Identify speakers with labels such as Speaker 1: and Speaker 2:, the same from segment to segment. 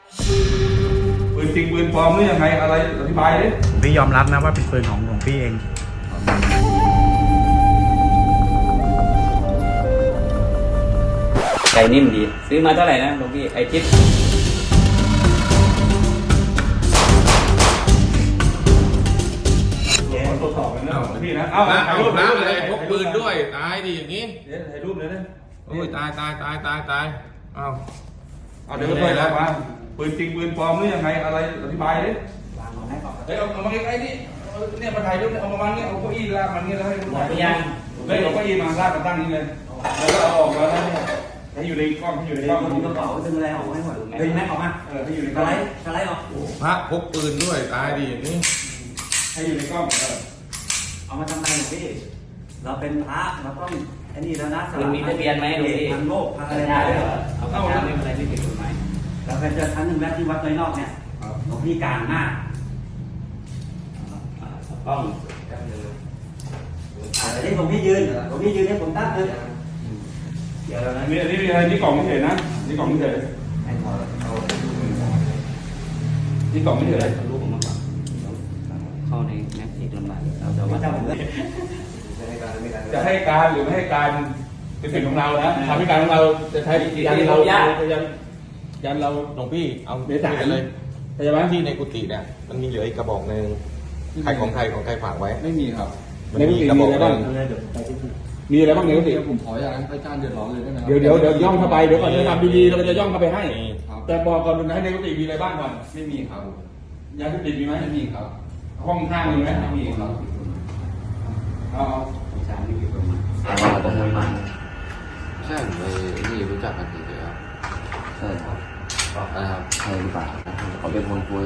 Speaker 1: ปืนจริงปืนปลอมหรือยังไงอะไรอธิบายดิ
Speaker 2: พี่ยอมรับนะว่าเป็นปืนของหลวงพี่เอง
Speaker 3: ใจนิ่มดีซื้อมาเท่าไหร่นะหลวงพี่ไอจิ๊บ
Speaker 1: ตรวจสอบกันนะพี่นะถ่ายรูป
Speaker 4: น้ำ
Speaker 1: เล
Speaker 4: เลย ยพกปืนด้วยตายดิอย่างนี้
Speaker 1: เดี๋ยวถ่ายรูปเลยนะ
Speaker 4: โอ้ยตายอ้าว
Speaker 1: เอาเดี๋ยวค่อยๆมาปืนจริงปืนปลอมหรือยังไงอะไรอธิบายดิเฮ้ยเอามาใกล้ๆนี่เนี่ยมาถ่ายรูปเอาประมาณนี้เอาเก้าอี้ลากมันนี่แล้วให้คุณถ่ายเลยเอาเก้าอี้มาลากกันตั้งนี้เลยแล้วก็เอาออกมาแล้วเนี่ยให้อยู่ในกล้องให้อยู่ในกล้อง
Speaker 5: กระเป๋าดึงอะไรออกให้หมดดึงแม็กออกมา
Speaker 1: ให้อยู่ใน
Speaker 5: ส
Speaker 1: กล้อง
Speaker 5: ไลด์สไลด์ออก
Speaker 4: พระพกปืนด้วยตายดิอย่างนี้
Speaker 1: ให้อยู่ในกล้อง
Speaker 5: เอามาทำไมหลวงพี่เราเป็นพระเราต้องไอ้นี่แล้วนะ
Speaker 3: คุณมีทะเบียนไหมหลวงพี่
Speaker 5: ทางโลกทางอะไร
Speaker 3: ได้เหรอเอาเข้ามาไม่เป็นไรไม่ผิดกฎหมาย
Speaker 5: เราเคยเจอครั้งหนึ่งแล้วที่วัดน้อยนอกเนี่ยหลวงพี่กลางมาก
Speaker 3: ต้อง
Speaker 5: แต่ที่หลวงพี่ยืนให้ผมตั้งเลยเดี๋ยวนะ
Speaker 1: นี่อะไรนี่กล่องไม่เห็นนะนี่กล่องไม่เห็น
Speaker 5: ให้พอเอา
Speaker 1: นี่กล่องไม่เห็น
Speaker 3: รูปออกมาก่อนเข้าในแม็กซ์อีกลำบากเราจะวัด
Speaker 1: จะให้การหรือไม่ให้การเป็นสิทธิ์ของเรานะทำให้การของเราจะใช้ยันเรายันเรา
Speaker 4: หลวงพี่เอา
Speaker 1: เดี๋ยวจ่าย
Speaker 4: เลย
Speaker 1: เข้าใจไหม
Speaker 4: ที่ในกุฏิเนี่ยมันมีเหลืออีกกระบอกหนึ่งใครของใครฝากไว้
Speaker 1: ไม่มีครับ
Speaker 4: มัน
Speaker 1: ในกุ
Speaker 4: มี
Speaker 1: ฏิ
Speaker 4: กระ
Speaker 1: มี
Speaker 4: บอก
Speaker 1: อะไร
Speaker 4: ห
Speaker 1: บ้าง
Speaker 4: นึ่ง
Speaker 1: มีอะไรบ้างในกุฏิ
Speaker 6: ผมขออย่างนั้นพระอาจารย์เดือดร้อนเลยได้ไหมครับ
Speaker 1: เดี๋ยวย่องเข้าไปเดี๋ยวก่อนจะทำดีๆเราจะย่องเข้าไปให้
Speaker 6: ครับ
Speaker 1: แต่บอกก่อนนะให้ในกุฏิมีอะไรบ้างก่อน
Speaker 6: ไม่มีครับ
Speaker 1: ยาเสพติดมีไหม
Speaker 6: ไม่มีครับ
Speaker 1: ห้องข้างมีไหม
Speaker 6: ไม่มีครับ
Speaker 1: เอา
Speaker 3: สารไม่ผิดกฎหมาย
Speaker 6: ใช่ผมไปนี่รู้จักกันเฉยๆครับ
Speaker 5: ใช่ครับ
Speaker 6: อะไรครับ
Speaker 5: ใช่หรือเปล่าเขาเป็นคนคุย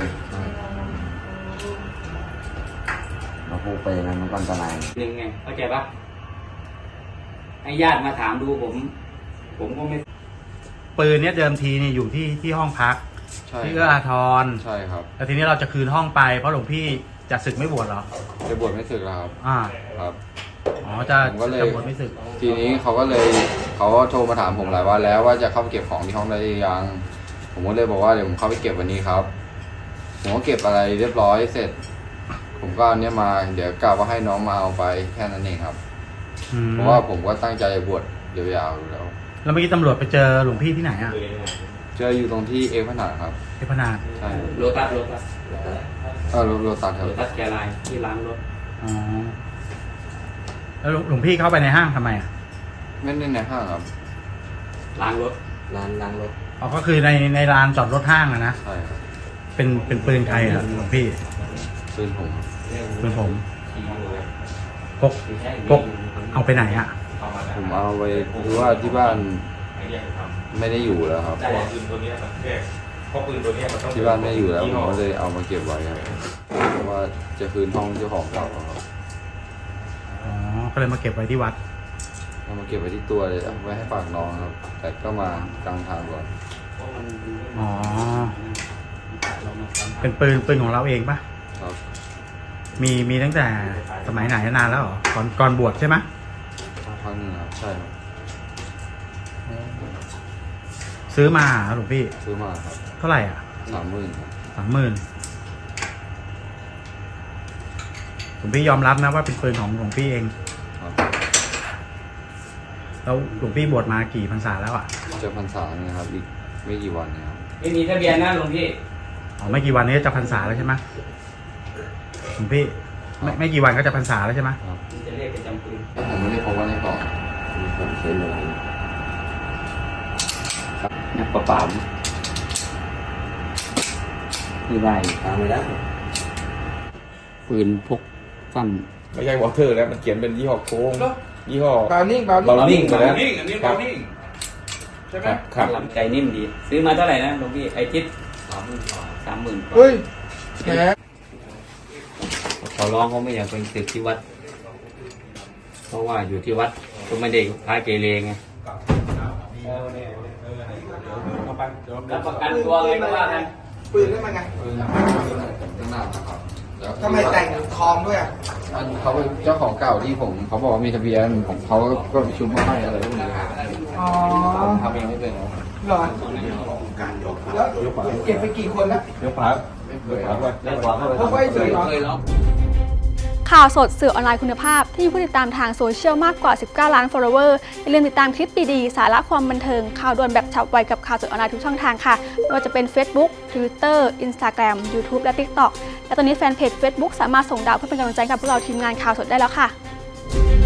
Speaker 5: เราพูดไปอย่างนั้นมันก็อันตราย
Speaker 3: หนึ่งไงเข้าใจปะให้ญาติมาถามดูผมก็ไม่
Speaker 2: ปืนเนี้ยเดิมทีนี่อยู่ที่ห้องพัก
Speaker 6: ใช่
Speaker 2: ที่เอื้ออาทร
Speaker 6: ใช่ครับ
Speaker 2: แล้วทีนี้เราจะคืนห้องไปเพราะหลวงพี่จะศึกไม่บวชเหรอ
Speaker 6: จะบวชไม่สึกแล้วครับ
Speaker 2: อ่า
Speaker 6: ครับ
Speaker 2: อ๋อจะ
Speaker 6: ผมก็เลย
Speaker 2: บวชไม่ศึก
Speaker 6: ทีนี้เขาก็โทรมาถามผมหลายวันแล้วว่าจะเข้าไปเก็บของที่ห้องได้หรือยัง ผมก็เลยบอกว่าเดี๋ยวผมเข้าไปเก็บวันนี้ครับ ผมก็เก็บอะไรเรียบร้อยเสร็จ ผมก็เอาเนี้ยมาเดี๋ยวกะว่าให้น้องมาเอาไปแค่นั้นเองครับ
Speaker 2: อืม
Speaker 6: เพราะว่าผมก็ตั้งใจบวชยาวๆอยู่แล้ว
Speaker 2: แล้วเมื่อกี้ตำรวจไปเจอหลวงพี่ที่ไหนอ่ะ
Speaker 6: เจออยู่ตรงที่เอฟพนาดครับ
Speaker 2: ที่พนาด
Speaker 6: ใช่
Speaker 3: โรตัส
Speaker 6: โรตัสครับ
Speaker 3: โรตัสแกไลน์ที่ล้างรถ
Speaker 2: อ๋อแล้วหลวงพี่เข้าไปในห้างทำไมอ่ะ
Speaker 6: ไม่ได้ในห้างครับ
Speaker 3: ล้างรถล้างรถ
Speaker 2: อ๋อก็คือในลานจอดรถห้างอะนะ
Speaker 6: ใช่ครับ
Speaker 2: เป็นปืนใครอ่ะหลวงพี่
Speaker 6: ปืนผมครับ
Speaker 2: ปืนผมพกเอาไปไหนอ่ะ
Speaker 6: ผมเอาไปดูว่าที่บ้านไม่ได้อยู่แล้วครับ
Speaker 4: ปืนตัวนี้มันแค่เพราะปืนตัวนี้มันต้อง
Speaker 6: ที่บ้านไม่ได้อยู่แล้วผมก็เลยเอามาเก็บไว้ครับเพราะว่าจะคืนห้องเจ้าของเก่าครับ
Speaker 2: อ๋อก็เลยมาเก็บไว้ที่วัด
Speaker 6: เอามาเก็บไว้ที่ตัวเลยเอาไว้ให้ฝากน้องครับ แต่ก็มากลางทางก่อน
Speaker 2: อ๋อเป็นปืนของเราเองปะ
Speaker 6: ครับ
Speaker 2: มีตั้งแต่สมัยไหนนานแล้วเหรอก่อนบวชใช่ไหม
Speaker 6: ครั้งหนึงครับใช่ครับ
Speaker 2: ซื้อมาเหรอหลวงพี่
Speaker 6: ซื้อมาครับ
Speaker 2: เท่าไหร่อ่ะ
Speaker 6: 30,000ครับ
Speaker 2: 30,000หลวงพี่ยอมรับนะว่าเป็นปืนของหลวงพี่เอง
Speaker 6: ครับ
Speaker 2: แล้วหลวงพี่บวชมากี่พรรษาแล้วอ่ะ
Speaker 6: จะพรรษาเนี่ยครับอีกไม่กี่วันเนะครับ
Speaker 3: ไม่มีทะเบียนนะหลวงพี่
Speaker 2: อ๋อไม่กี่วันนี้จะพรรษาแล้วใช่ไหมหลวงพี่ไม่กี่วันก็จะพรรษาแล้วใช่ไหม
Speaker 6: ครับ
Speaker 3: จะเรียกเป็นจำปืน
Speaker 6: ผมไม่ได้พบว่าในกล่องผมซื้อเลย
Speaker 3: นักประป่ามที่ได้ตามไปแล้วปืนพกสั้น
Speaker 4: ไม่ใช่วอเตอร์แล้วมันเขียนเป็นยี่ห้อโค้งยี่ห้อ
Speaker 1: บาวนิ่ง
Speaker 4: เบานิ่งไปแล้ว
Speaker 1: นิ่งอันนี้บาวนิ่งใช่ไหม
Speaker 4: ครับ
Speaker 3: ลำใจนิ่มดี ซื้อมาเท่าไหร่นะหลวงพี่ไอจิ๊บ30,000
Speaker 1: เฮ้ยแหม
Speaker 3: ขอร้องเขาไม่อยากไปศึกที่วัด เพราะว่าอยู่ที่วัดก็ไม่ได้พาเกเรไงรับประกันตัวเลยก็ว่ากัน
Speaker 7: ปืนได้มาไง
Speaker 6: ปืนข้างหน้าครับแล้ว
Speaker 7: ทำไมแต่งทองด้วยอ่ะ
Speaker 6: มันเขาเป็นเจ้าของเก่าที่ผมเขาบอกว่ามีทะเบียนผมเขาก็ชุบมาให้อะไรพวกนี้ครับ
Speaker 7: อ๋อ
Speaker 6: ผมทำเองไม่เป็นหรอก
Speaker 7: เหรอแล้วเก็บไปกี่คนแล้ว
Speaker 4: เดี๋ยวขวาเดี๋ยวขวาด้วย
Speaker 3: แล้วขวาเข้าไป
Speaker 7: เขาไว้เฉยเหรอ
Speaker 3: เคยล็อก
Speaker 8: ข่าวสดสื่อออนไลน์คุณภาพที่มีผู้ติดตามทางโซเชียลมากกว่า 19 ล้าน follower อย่าลืมติดตามคลิปดีๆ สาระความบันเทิง ข่าวด่วนแบบฉับไวกับข่าวสดออนไลน์ทุกช่องทางค่ะไม่ว่าจะเป็น Facebook Twitter Instagram YouTube และ TikTok และตอนนี้แฟนเพจ Facebook สามารถส่งดาวเพื่อเป็นกำลังใจกับพวกเราทีมงานข่าวสดได้แล้วค่ะ